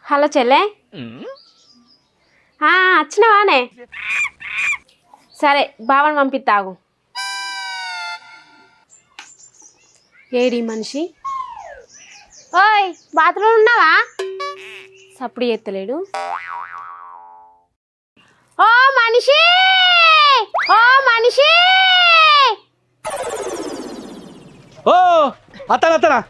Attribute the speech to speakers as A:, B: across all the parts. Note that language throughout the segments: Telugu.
A: హలో చెల్లె వచ్చినావానే సరే బావని పంపిస్తాగు ఏడి మనిషి ఓయ్ బాత్రూమ్ ఉన్నావా సప్పుడు ఎత్తలేడు ఓ మనిషి ఓ మనిషి
B: ఓ అతనా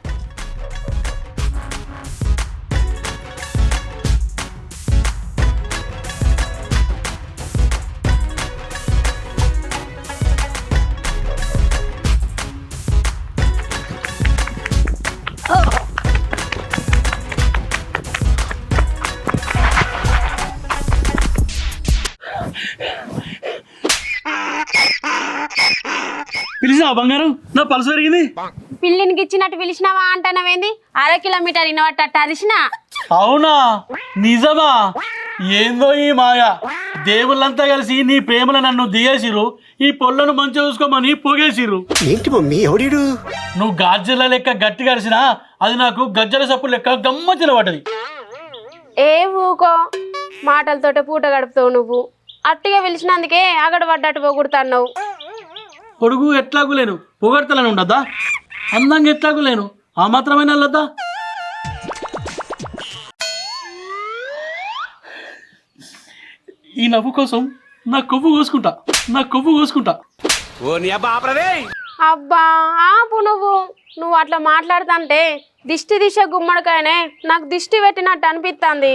B: పిలిచినావా బంగారం నా పలస పెరిగింది
A: పిల్లినికి ఇచ్చినట్టు పిలిచినావా అంటానవేంది 1/2 కిలోమీటర్ ఇన్నవట్ట అరిసిన
B: అవునా నిజమా ఏందో ఈ మాయ దేవుళ్ళంతా కలిసి నీ ప్రేమలో నన్ను దిగేసిరు ఈ పొల్లను మంచిగా చూసుకోమని పొగేసిరు
C: ఏంటి మమ్మీ ఎవడీడు
B: నువ్వు గాజల లెక్క గట్టి కరిసినా అది నాకు గజ్జల సప్పు లెక్క గమ్మచ్చిన పడ్డది
A: ఏ ఊకో మాటలతోటే పూట గడుపుతావు నువ్వు అట్టిగా పిలిచినందుకే అగడు పడ్డట్టు పోగొడుతున్నావు
B: పొడుగు ఎట్లాగు లేను పొగడతలని ఉండద్దా అందంగా ఎట్లాగు లేను ఆ మాత్రమైన వెళ్ళొద్దా ఈ నవ్వు కోసం నా కొవ్వు కోసుకుంటా
A: అబ్బా ఆపు నువ్వు అట్లా మాట్లాడుతుంటే దిష్టి దిశ గుమ్మడికాయనే నాకు దిష్టి పెట్టినట్టు అనిపిస్తుంది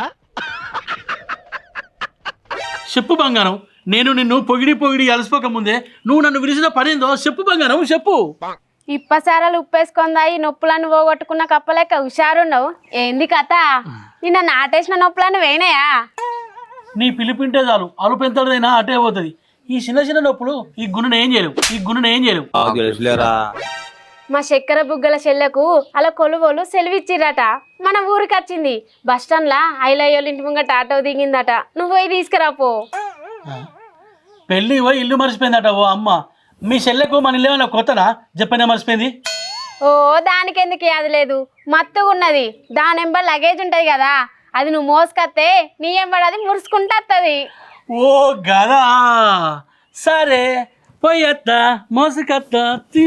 B: చెప్పు బంగారం నేను నిన్ను పొగిడి అలసిపోక ముందే నువ్వు నన్ను విరిసిన పనేందో చెప్పు బంగారం చెప్పు
A: ఇప్పసారాలు ఉప్పేసుకుందాయి నొప్పులను పోగొట్టుకున్న కప్పలేక హుషారున్నావు ఏంది కథ నిన్న నాటేసిన నొప్పులను వేయినాయా
B: నీ పిలిపింటే చాలు అలుపు ఎంతదైనా అటే పోతుంది ఈ చిన్న నొప్పులు ఈ గుణను ఏం చేయలేవు
A: మా చక్కెర బుగ్గల చెల్లెకు అలా కొలువోలు సెలవిచ్చిరట మన ఊరికి వచ్చింది బస్టాండ్లా ఐలయ్యోళ్ళ ఇంటి ముంగట ఆటో దిగిందట నువ్వు పోయి తీసుకురాపో
B: పెళ్ళి పోయి ఇల్లు మర్చిపోయిందట ఓ అమ్మ మీ చెల్లెకు మన ఇల్లు ఏమైనా కొత్తనా చెప్పనే మర్చిపోయింది
A: ఓ దానికెందుకు అది లేదు మత్తుగా ఉన్నది దాని ఎంబ లగేజ్ ఉంటది కదా అది నువ్వు మోసుకొస్తే నీ ఎంబడి అది మురుసుకుంటా వస్తుంది
B: ఓ గదా సరే పోయత్తా మోసుకత్తా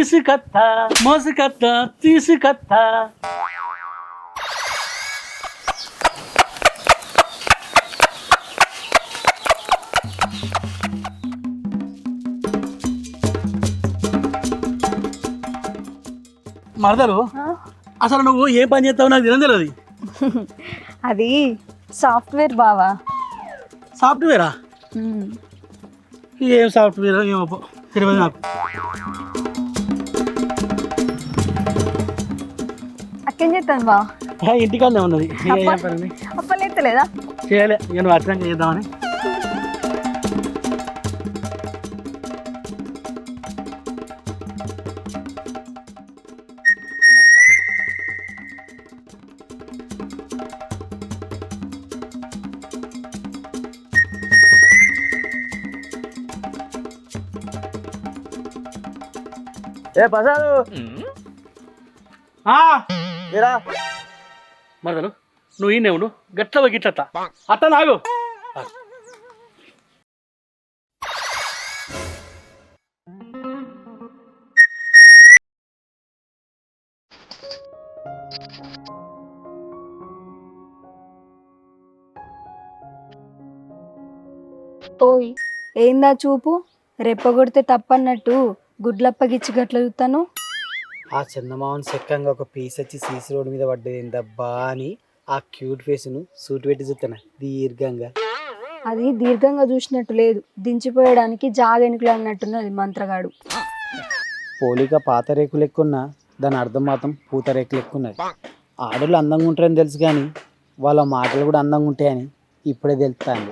B: తీసుకత్తా మరదలు అసలు నువ్వు ఏం పని చేస్తావు నాకు తెలియదు
D: అది సాఫ్ట్వేర్ బావా
B: సాఫ్ట్వేరా ఏం సాఫ్ట్వేర్ ఏమో తెలియదు నాకు
D: అక్కేం చేస్తాను బా
B: ఇంటికాడనే ఉన్నది
D: అప్పలేస్తలేదా
B: చేయలే ఇక నువ్వు అర్థం చేద్దామని
C: ఏ పసాదు
B: మరదలు నువ్వు ఈ నెవుడు గట్ల గిట్లత్తా అత్త నాగు
D: ఓయ్ ఏందా చూపు రెప్పగొడితే తప్పన్నట్టు గుడ్లప్పగిచ్చి గట్ల చూస్తాను
C: ఆ చందమామని చెక్కంగా ఒక పీస్ వచ్చి సీసీ రోడ్ మీద పడ్డది దబ్బా అని ఆ క్యూట్ ఫేస్ను సూట్ పెట్టి చూస్తాను దీర్ఘంగా
D: అది దీర్ఘంగా చూసినట్టు లేదు దించిపోయడానికి జాగెనుకలు అన్నట్టున్నది మంత్రగాడు
C: పోలిక పాత రేకులు ఎక్కున్నా దాని అర్థం మాత్రం పూత రేకులు ఎక్కున్నది ఆడోళ్ళు అందంగా ఉంటారని తెలుసు కానీ వాళ్ళ మాటలు కూడా అందంగా ఉంటాయని ఇప్పుడే తెలుస్తాను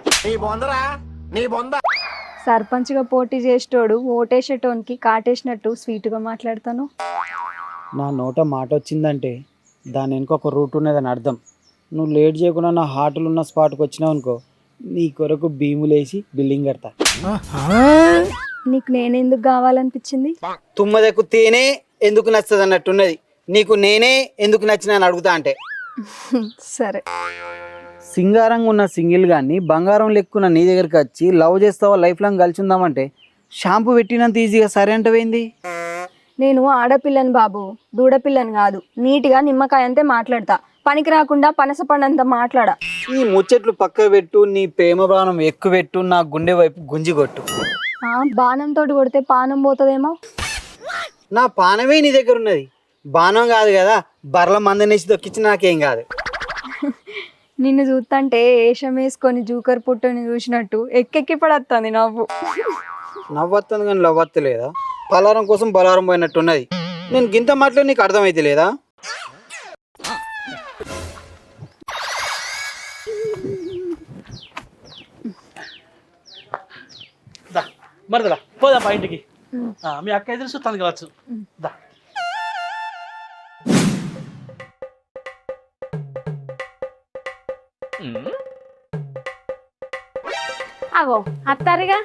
D: సర్పంచ్గా పోటీ చేసేటోడు ఓటేసేటోనికి కాటేసినట్టు స్వీట్గా మాట్లాడతాను
C: నా నోట మాట వచ్చిందంటే దాని వెనుక ఒక రూట్ ఉన్నదని అర్థం నువ్వు లేట్ చేయకుండా నా హార్ట్లు ఉన్న స్పాట్కి వచ్చినావు అనుకో నీ కొరకు భీములేసి బిల్డింగ్ కడతా
D: నీకు నేనెందుకు కావాలనిపించింది
C: తుమ్మదకు తేనే ఎందుకు నచ్చదు అన్నట్టున్నది నీకు నేనే ఎందుకు నచ్చినా అని అడుగుతా అంటే
D: సరే
C: సింగారంగా ఉన్న సింగిల్ గాన్ని బంగారం లెక్కున్న నీ దగ్గరికి వచ్చి లవ్ చేస్తావా లైఫ్ లాంగ్ కలిసి ఉందామంటే షాంపూ పెట్టినంత ఈజీగా సరే అంటవేంది?
D: నేను ఆడపిల్లని బాబు, దూడపిల్లని కాదు. నీట్గా నిమ్మకాయ అంతే మాట్లాడతా, పనికి రాకుండా పనస పండంత మాట్లాడా.
C: ఈ ముచ్చట్లు పక్క పెట్టు, నీ ప్రేమ బాణం ఎక్కువ పెట్టు, నా గుండె వైపు గుంజి కొట్టు.
D: బాణంతో కొడితే పానం పోతుందేమో.
C: నా పానమే నీ దగ్గర ఉన్నది, బాణం కాదు కదా. బర్ల మందనేసి దొక్కించి నాకేం కాదు.
D: నిన్ను చూస్తుంటే ఏషం వేసుకొని జూకర్ పుట్టుని చూసినట్టు ఎక్కెక్కి పడత్తుంది నవ్వు.
C: నవ్వొస్తుంది కానీ లవ్వత్తు లేదా? పలారం కోసం బలారం పోయినట్టున్నది. నేను గింత మాటలు నీకు అర్థమైతే లేదా?
B: మరిదలా పోదాం మా ఇంటికి. మీ అక్క ఎదురు చూస్తాను కావచ్చు. దా
A: అగో అత్తారుగా.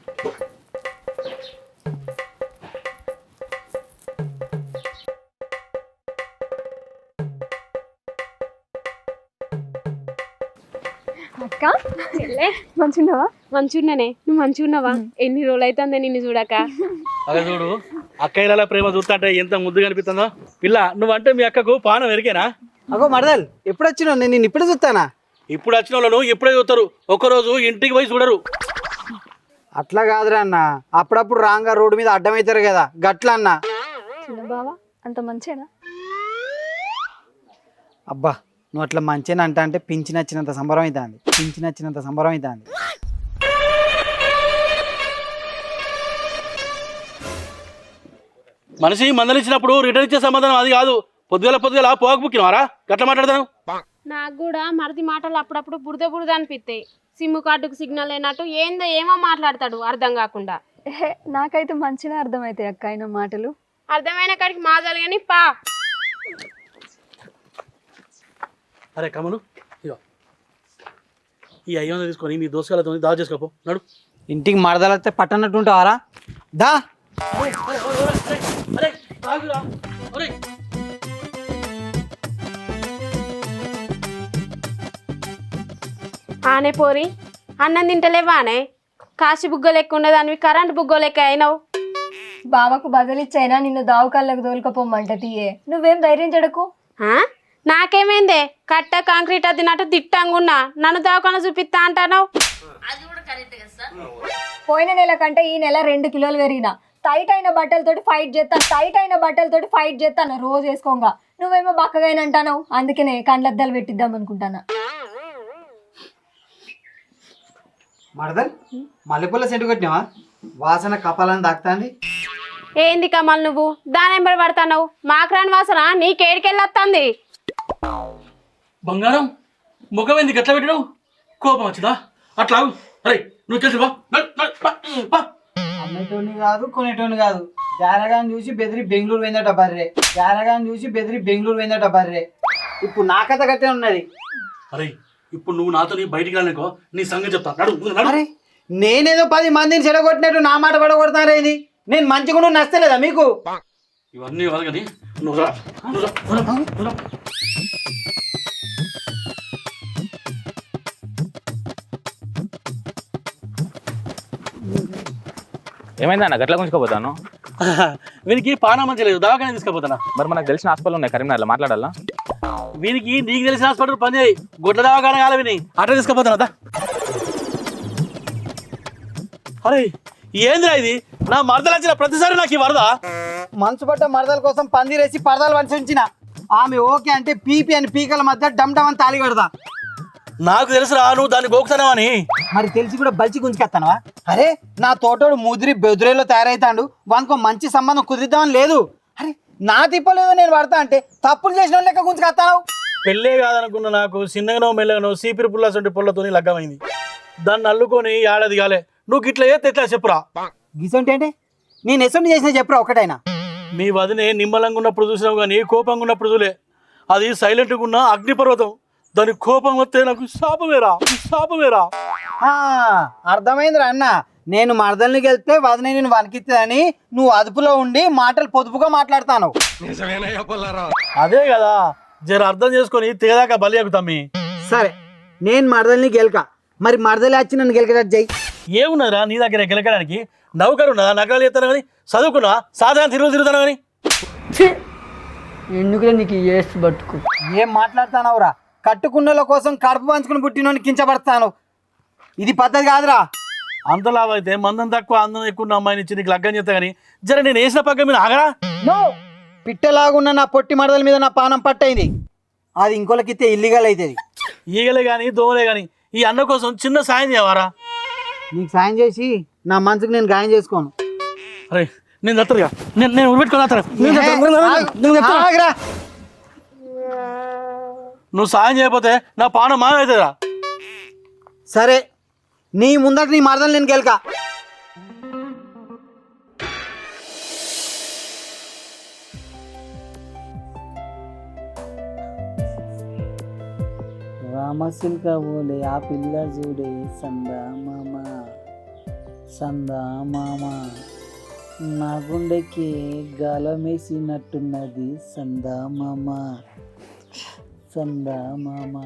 D: అక్క మంచిగున్నావా?
A: మంచిగున్నానే, నువ్వు మంచిగున్నావా? ఎన్ని రోజులు అవుతుంది నిన్ను చూడక.
B: అదే చూడు, అక్కయ్యల ప్రేమ చూస్తుంటే ఎంత ముద్దుగా అనిపిస్తుందో. పిల్ల నువ్వంటే మీ అక్కకు పానం ఎరికేనా?
C: అగో మరదల్, ఎప్పుడు వచ్చినావు? నేను నిన్ను ఇప్పుడే చూస్తానా?
B: ఇప్పుడు వచ్చిన వాళ్ళను ఎప్పుడే చూస్తారు, ఒక్కరోజు ఇంటికి పోయి చూడరు.
C: అట్లా కాదురా అన్న, అప్పుడప్పుడు రాంగా రోడ్డు మీద అడ్డమవుతారు కదా, గట్ల అన్న.
D: చిన్న బావా అంత మంచేనా?
C: అబ్బా నువ్వు అట్లా మంచిగా అంట అంటే పింఛి నచ్చినంత సంబరం అవుతుంది, పింఛి నచ్చినంత సంబరం అవుతుంది.
B: మనిషి మందలిచ్చినప్పుడు రిటర్న్ ఇచ్చే సమాధానం అది కాదు. పొద్దుగల పోక బుక్కినవారా గట్లా మాట్లాడతాను?
A: నాకు కూడా మరిది మాటలు అప్పుడప్పుడు బురద అనిపిస్తాయి. సిమ్ కార్డుకు సిగ్నల్ అయినట్టు ఏందో ఏమో మాట్లాడతాడు అర్థం కాకుండా.
D: నాకైతే మంచిగా అర్థమవుతాయి అక్క ఆయన మాటలు.
A: అర్థమైన కాడికి మాజాలు కానీ పా.
B: అరే కమలు, ఇగో ఈ 500 తీసుకొని మీ దోసకాలతో దావ చేసుకోపో. నడు.
C: ఇంటికి మరదలైతే పట్టనట్టు ఉంటావారా? దా.
A: ఆనే పోరి, అన్నం తింటలేవానే? కాశీ బుగ్గ లెక్క ఉండదానివి కరెంట్ బుగ్గ లెక్క అయినావు.
D: బావకు బదిలిచ్చైనా నిన్ను దావుకాళ్ళకు తోలుకపోమంట తీయే. నువ్వేం ధైర్యం చెడకు.
A: నాకేమైందే? కట్ట కాంక్రీట్ అద్దినట్టు దిట్టంగున్నా నన్ను దావకాన చూపిస్తా అంటావు.
D: పోయిన నెల కంటే ఈ నెల 2 కిలోలు పెరిగిన. టైట్ అయిన బట్టలతోటి ఫైట్ చేస్తాను రోజు వేసుకోగా. నువ్వేమో బక్కగానంటావు, అందుకనే కండ్లద్దాలు పెట్టిద్దాం అనుకుంటానా.
C: మరదల్, మల్లెపూల సెంటు కొట్టినావా? వాసన కపాలని దాక్తాంది.
A: ఏంది కమల్ నువ్వు దానెంబడి పడతావు? మాక్రాన్ వాసన నీకేడికెళ్ళొస్తుంది.
B: బంగారం ముఖం ఎందుకు ఎట్లా పెట్టినావు? కోపం వచ్చిందా? అట్లా అరే నువ్వు తెలుసు
C: అమ్మేటోని కాదు, కొనేటోని కాదు. జానగాన్ని చూసి బెదిరి బెంగళూరు పోయిందట బర్రె. ఇప్పుడు నా కథ కట్టే ఉన్నది.
B: అరే ఇప్పుడు నువ్వు నాతో బయటికి రాలేకో నీ సంగతి చెప్తా.
C: అరే నేనేదో 10 మందిని చెడగొట్టినట్టు నా మాట పడగొడతారేది. నేను మంచిగా నచ్చలేదా మీకు?
B: ఇవన్నీ కాదు కానీ నువ్వు రా.
E: ఏమైందన్న గట్ల గుంజుకోపోతాను?
B: వీనికి పానా మంచి లేదు, దవాఖాన తీసుకుపోతానా.
E: మరి మనకు తెలిసిన హాస్పిటల్ ఉన్నాయి కరీంనగర్లో, మాట్లాడాలా?
B: వీనికి నీకు తెలిసిన హాస్పిటల్ పని చేయి, గొడ్ల దవాఖాన కాల విని అట్లా తీసుకుపోతానా. అరే ఏందిరా ఇది? నా మరదలు వచ్చిన ప్రతిసారి నాకు ఈ వరద.
C: మనసు పట్ట మరదల కోసం పందిరేసి పరదాలు వంచి ఉంచిన. ఆమె ఓకే అంటే పీపీ అని పీకల మధ్య డమ్ అని తాళి కడదా.
B: నాకు తెలుసురా నువ్వు దాన్ని గోకుతానవని.
C: మరి తెలిసి కూడా బలిచి గుంజుకెత్తానవా? అరే నా తోటోడు ముదిరి బెదురేలో తయారైతాడు, వానికో మంచి సంబంధం కుదిరిద్దామని లేదు. అరే నా తిప్పలేదు నేను పడతా అంటే తప్పులు చేసిన లెక్క గుంజుకెత్తావు.
B: పెళ్ళే కాదనుకున్న నాకు చిన్నగానో మెల్లగానో సీపిరి పుల్లసంటి పుల్లతోని లగ్గమైంది. దాన్ని అల్లుకొని ఏడాది కాలే. నువ్వు ఇట్లా చేస్తే ఎట్లా చెప్పురా?
C: గిసంటే అంటే నేను ఎసొంటి చేసిన చెప్పురా ఒకటైనా.
B: మీ వదినే నిమ్మలంగా ఉన్నప్పుడు చూసినావు కానీ కోపంగా ఉన్నప్పుడు చూలే. అది సైలెంట్గా ఉన్న అగ్నిపర్వతం. దాని కోపం వస్తే నాకు శాపమేరా.
C: అర్థమైందిరా అన్న. నేను మరదల్ని వెళ్తే వదిన నేను వణికిస్తుందని నువ్వు అదుపులో ఉండి మాటలు పొదుపుగా మాట్లాడతాను.
B: అదే కదా, జర అర్థం చేసుకొని తెగదాకా బలి ఎక్కుతామి.
C: సరే నేను మరదల్ని గెలక, మరి మరదలే వచ్చి నన్ను గెలకటట్టు చెయ్యి.
B: ఏమున్నదిరా నీ దగ్గర గెలకడానికి? నౌకరు ఉన్నదా? నగరాలు చేస్తాను కానీ చదువుకున్నా సాధారణ తిరుగుతాను కానీ
F: ఎందుకులే నీకు ఏసు బతుకు.
C: ఏం మాట్లాడుతానవురా? కట్టుకున్నల కోసం కడుపు పంచుకుని పుట్టినోని కించబడతాను. ఇది పద్ధతి కాదురా.
B: అంత లాభ అయితే మందం తక్కువ అందం ఎక్కువ ఉన్న అమ్మాయిని ఇచ్చి నీకు లగ్గం చేస్తా కానీ జర నేను వేసిన పక్క మీద ఆగరా.
C: నో, పిట్టలాగున్న నా పొట్టి మరదల మీద నా పానం పట్టయింది. అది ఇంకోలకిస్తే ఇల్లీగల్ అవుతుంది.
B: ఈగలే కానీ దోమలే కానీ ఈ అన్న కోసం చిన్న సాయం చేయవారా?
C: నీకు సాయం చేసి నా మనసుకు నేను గాయం చేసుకోను.
B: అరే నేను దత్తరుగా నేను ఉరిపెట్టుకుని
C: ఆగ్రా.
B: నువ్వు సాయం చేయకపోతే నా పానం మాయవుతుందిరా.
C: సరే, నీ ముందట నీ మరదలు నేను గెలక. రామసిల్క ఓలే ఆ పిల్ల చూడే సందా మామ, సందా మామ, నా గుండెకి గాలమేసినట్టున్నది సందా మామ, సందా మామ.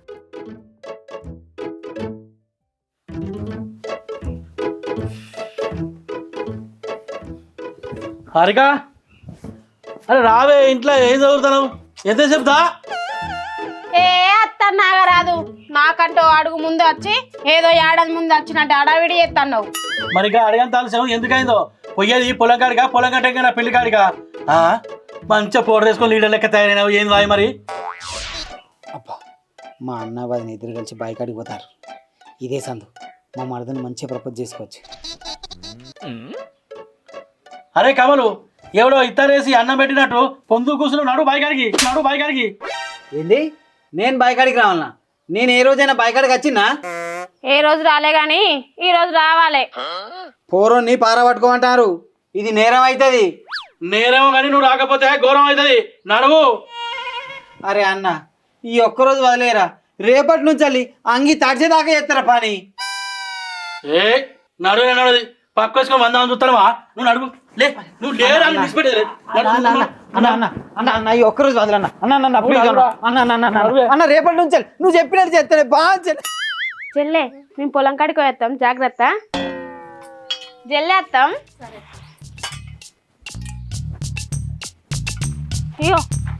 B: హారిక, అరే రావే, ఇంట్లో ఏం చదువుతావు? ఎంత చెప్తా?
A: ఏ అత్త నాగరాదు, నాకంటూ అడుగు ముందు వచ్చి ఏదో ఏడాది ముందు వచ్చినట్టు అడావిడి చేస్తున్నావు.
B: మరిగా అడగని తాల్సాం ఎందుకైందో? పోయేది పొలం కాడిగా, పొలం కట్టగా నా పెళ్లి కాడిగా. మంచిగా పౌడర్ వేసుకొని లీడర్ లెక్క తయారైనావు. ఏంది వాయి మరి?
C: అబ్బా, మా అన్న వాళ్ళని ఇద్దరు కలిసి బైకాడికి పోతారు. ఇదే సందు, మా మరదని మంచిగా ప్రపోజ్ చేసుకోవచ్చు.
B: అరే కమలు, ఎవడో ఇత్తరేసి అన్నం పెట్టినట్టు పొందు కూర్చున్నావు. నడు బాయికాడికి.
C: ఏంది? నేను బైకాడికి రావాలనా? నేను ఏ రోజైనా బైకాడికి వచ్చినా?
A: ఏ రోజు రాలే గాని ఈ రోజు రావాలి.
C: పోరోని పారబట్టుకోమంటారు. ఇది నేరం అవుతుంది.
B: నేరేమో కానీ నువ్వు రాకపోతే ఘోరం అవుతుంది. నడువు.
C: అరే అన్న, ఈ ఒక్కరోజు వదిలేరా, రేపటి నుంచి వెళ్ళి అంగి తడిచేదాకా చేస్తారా పని.
B: ఏ నడుది పక్క వచ్చుకొని 100 మంది చూస్తావా? నువ్వు నడువు. లే, నువ్వు లేరా విడిచిపెట్టేది.
C: అన్న ఈ ఒక్కరోజు వదలన్న. అన్న రేపటి నుంచి నువ్వు చెప్పినట్టు చేస్తానే బాగా.
A: చెల్లె, మేము పొలం కాడికి పోయేస్తాం, జాగ్రత్త. జల్లేస్తాం. అయ్యో,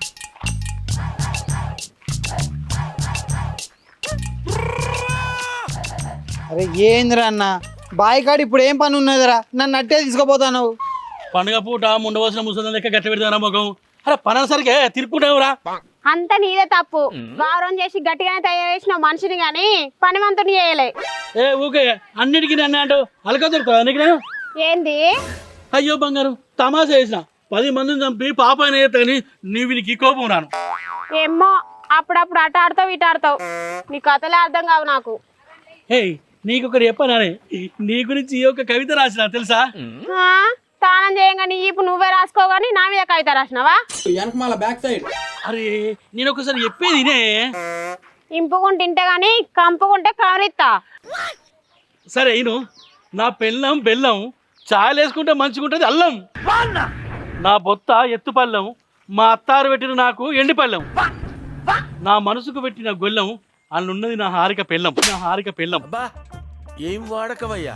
C: అరే ఏందిరా అన్న, బాయికాడు ఇప్పుడు ఏం పని ఉన్నదిరా? నన్ను అట్టే తీసుకుపోతాను.
B: పండుగ పూట ముండవలసిన ముసలి లెక్క గట్టి పెడతారా మొఖం? అరే పనసరికే తిరుక్కుంటావురా.
A: అంత నీదే తప్పు. గౌరవం చేసి గట్టిగానే తయారు చేసిన మనిషిని గాని పనివంతుని చేయలే.
B: ఏ ఊకే అన్నిటికీ నన్ను అంటూ అలక దొరుకుతా నీకు నేను?
A: ఏంది?
B: అయ్యో బంగారు, తమాషా చేసిన 10 మందిని చంపి పాప అని నీ వీనికి కోపం రాను.
A: ఏమో, అప్పుడప్పుడు అట ఆడతావు ఇటు ఆడతావు. నీ కథలే అర్థం కావు నాకు.
B: హే, నీకు ఒకటి చెప్పనానే, నీ గురించి ఈ యొక్క కవిత రాసిన తెలుసా?
A: స్నానం చేయంగాని ఇప్పుడు నువ్వే రాసుకోగాని నా మీద కవిత రాసినావా?
B: అరే నేను ఒకసారి చెప్పేది ఇదే.
A: ఇంపుకుంటే ఇంటే గాని కంపుకుంటే కవరిస్తా.
B: సరే ఇను, నా పెళ్ళం బెల్లం, చాయలు వేసుకుంటే మంచిగుంటది అల్లం. నా బొత్త ఎత్తు పళ్ళం, మా అత్తారు పెట్టిన నాకు ఎండి పళ్ళం. నా మనసుకు పెట్టిన గొల్లం, అందున్నది నా హారిక పెళ్ళం.
G: ఏం వాడకవయ్యా?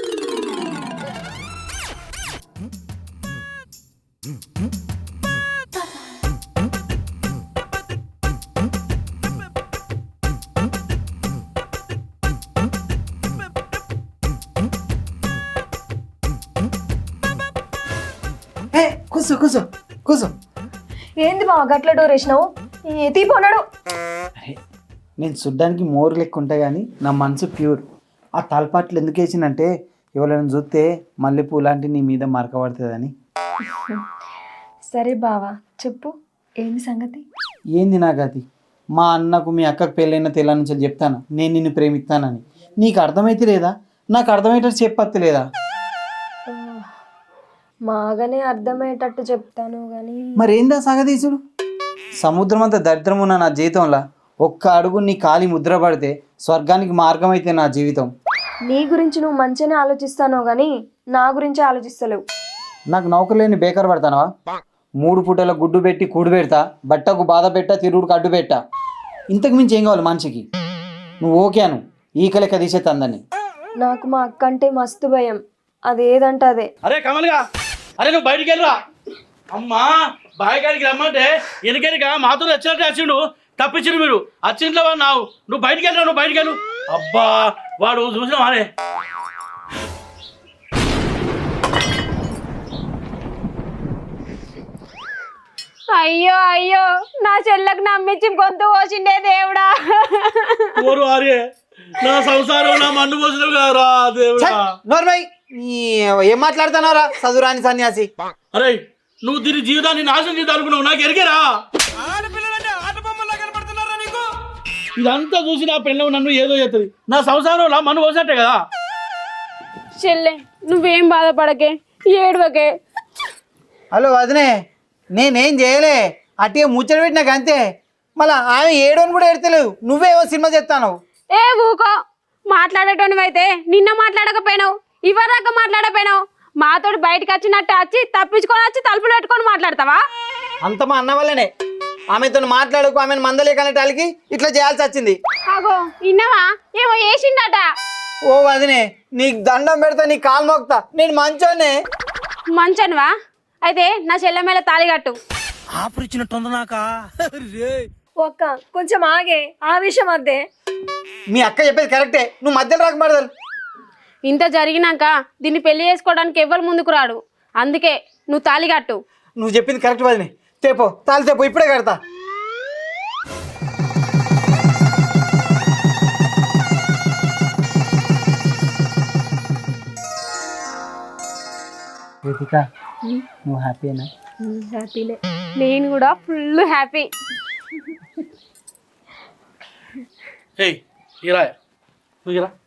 C: కూర్చో.
D: ఏంది బావ గట్ల డోర్ వేసినావు? తీపోన్నాడు.
C: అరే నేను చూడ్డానికి మోరు లెక్క ఉంటా కానీ నా మనసు ప్యూర్. ఆ తలపాట్లు ఎందుకు వేసిందంటే ఎవరైనా చూస్తే మల్లెపూ లాంటి నీ మీద మరకబడుతుందని.
D: సరే బావా, చెప్పు ఏంది సంగతి?
C: ఏంది నా గతి? మా అన్నకు మీ అక్కకు పెళ్ళైన తెల్ల నుంచి చెప్తాను నేను నిన్ను ప్రేమిస్తానని. నీకు అర్థమైతే లేదా? నాకు అర్థమయ్యేటట్టు చెప్పత్తి లేదా?
D: మాగానే అర్థమయ్యేటట్టు చెప్తాను కానీ
C: మరేందా సగదీసుడు? సముద్రం అంత దరిద్రం ఉన్న నా జీవితంలో ఒక్క అడుగు నీ కాలి ముద్ర పడితే స్వర్గానికి మార్గం అయితే నా జీవితం.
D: నీ గురించి నువ్వు మంచిగానే ఆలోచిస్తాను కానీ నా గురించి ఆలోచిస్తలేవు.
C: నాకు నౌకర్లేని బేకారు పడతానవా? 3 పూటల గుడ్డు పెట్టి కూడు పెడతా, బట్టకు బాధ పెట్టా, తిరుగుడుకు అడ్డు పెట్టా. ఇంతకు మించి ఏం కావాలి మనిషికి? నువ్వు ఓకే అను ఈక లెక్క తీసేస్తా అందని.
D: నాకు మా అక్క అంటే మస్తు భయం, అదేదంటే అదే.
B: అరే కమల్గా, అరే నువ్వు బయటికి వెళ్ళరా. అమ్మా బాయికాడికి రమ్మంటే వెనకెనక మాతో వచ్చినట్టే వచ్చిండు, తప్పించిండు మీరు. వచ్చింట్లో వాడు నువ్వు బయటికి వెళ్ళరా, నువ్వు బయటికి వెళ్ళు. అబ్బా వాడు చూసినావా అరే.
A: అయ్యో అయ్యో, నా చెల్లకు నమ్మించి గొంతు కోసిండే దేవుడా.
B: ఓరు అరే, నా సంసారం నా మన్ను పోసినావు కదరా దేవుడా.
C: నోర్మై ఏం మాట్లాడుతున్నారా చదువురాని సన్యాసి.
B: అరే నువ్వు దీని జీవితాన్ని నాశనం చేద్దాం అనుకున్నావు, నాకు ఎరిగేరా. ఇదంతా చూసి నా పెళ్ళం నన్ను ఏదో చేస్తుంది, నా సంసారంలో మన్ను పోసినట్టే కదా.
A: చెల్లె నువ్వేం బాధపడకే, ఏడవకే.
C: హలో వదినే, నేనేం చేయలే, అట్టిగా ముచ్చట పెట్టినాక అంతే. మళ్ళా ఆమె ఏడోని కూడా ఎడతలేవు, నువ్వేవో సినిమా చెప్తాను.
A: ఏ ఊకో, మాట్లాడేటోనివైతే నిన్న మాట్లాడకపోయినావు, ఇవరాక మాట్లాడకపోయినావు. మాతోటి బయటకు వచ్చినట్టు వచ్చి తప్పించుకొని వచ్చి తలుపులు పెట్టుకొని మాట్లాడతావా?
C: అంత మా అన్న వల్లనే. ఆమెతో మాట్లాడుకు, ఆమెను మందలేకనేటానికి ఇట్లా చేయాల్సి వచ్చింది.
A: అగో ఇన్నవా, ఏమో వేసిండట.
C: ఓ వదినే, నీకు దండం పెడతా, నీ కాలు మోక్తా, నేను మంచోనే.
A: మంచనువా? అయితే నా చెల్లె మీద తాళి కట్టు.
G: ఆపరిచినట్టుంది నాకా.
D: ఒక్క కొంచెం ఆగే, ఆ విషయం అద్దే.
C: మీ అక్క చెప్పేది కరెక్టే, నువ్వు మధ్యలో రాకబడదు.
A: ఇంత జరిగినాక దీన్ని పెళ్లి చేసుకోవడానికి ఎవ్వరు ముందుకు రాడు, అందుకే నువ్వు తాళి కట్టు.
C: నువ్వు చెప్పింది కరెక్ట్ వదినే, తేపో తాళి తేపో, ఇప్పుడే కడతా. నువ్వు హ్యాపీనా?
A: హ్యాపీనే, నేను కూడా ఫుల్ హ్యాపీ.
B: ఏయ్ ఇరా, నువ్వు ఇరా.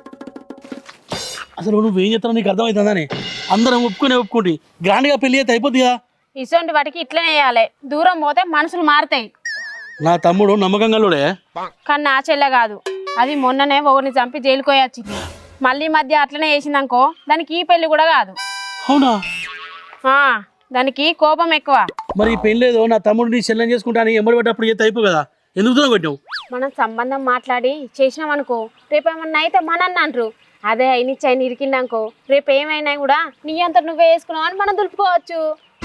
B: అసలు నువ్వేం చేస్తావు నీకు అర్థమవుతుందని. అందరం ఒప్పుకుంటే గ్రాండ్గా పెళ్లి అయితే అయిపోద్ది కదా.
A: ఇటువంటి వాటికి ఇట్లనే చేయాలి, దూరం పోతే మనసులు మారుతాయి.
B: నా తమ్ముడు నమ్మకంగాలోడే,
A: కానీ నా చెల్లె కాదు, అది మొన్ననే ఒకరిని చంపి జైలుకి వచ్చింది. మళ్ళీ మధ్య అట్లనే చేసిందనుకో, దానికి ఈ పెళ్లి కూడా కాదు.
B: అవునా?
A: దానికి కోపం ఎక్కువ.
B: మరి ఈ పెళ్లి ఏదో నా తమ్ముడు నీ చెల్లెని చేసుకుంటాను ఎంబడి పడ్డప్పుడు చేస్తే అయిపో కదా, ఎందుకు దూరం పెట్టావు?
A: మనం సంబంధం మాట్లాడి చేసినాం అనుకో, రేపు ఏమన్నా అయితే మనన్న అంటారు. అదే అయినిచ్చాయి ఇరికిందనుకో, రేపు ఏమైనా కూడా నీ అంతా నువ్వే వేసుకున్నావు అని మనం దులుపుకోవచ్చు.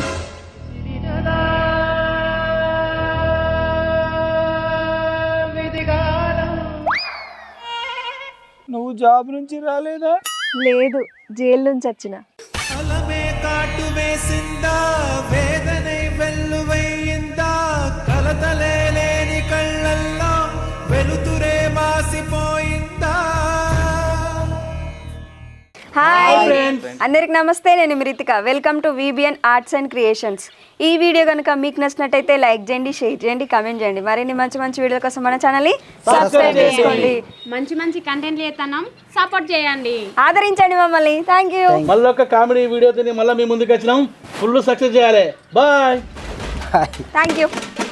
C: నువ్వు జాబ్ నుంచి రాలేదా?
D: లేదు, జైలు నుంచి వచ్చిన.
G: కాటు వేసిందా, వేదనై వెల్లువయ్యిందా, కలతలే లేని కళ్ళల్లో వెలుతురే మాసిపోయిందా.
D: హాయ్ అందరికి నమస్తే, నేను Ritika. Welcome to VBN arts and creations. ఈ వీడియో కనుక మీకు నచ్చినట్టయితే లైక్ చేయండి, షేర్ చేయండి, కామెంట్ చేయండి. మరిన్ని మంచి మంచి వీడియోల కోసం మన ఛానల్ని సబ్స్క్రైబ్ చేసుకోండి.
A: మంచి మంచి కంటెంట్లు చేస్తున్నాం, సపోర్ట్ చేయండి,
D: ఆదరించండి మమ్మల్ని. Thank you.
B: మళ్ళీ ఒక కామెడీ వీడియోతో మళ్ళీ మీ ముందుకు వచ్చినాం. ఫుల్ సక్సెస్ చేయాలి. బాయ్.
D: Thank you.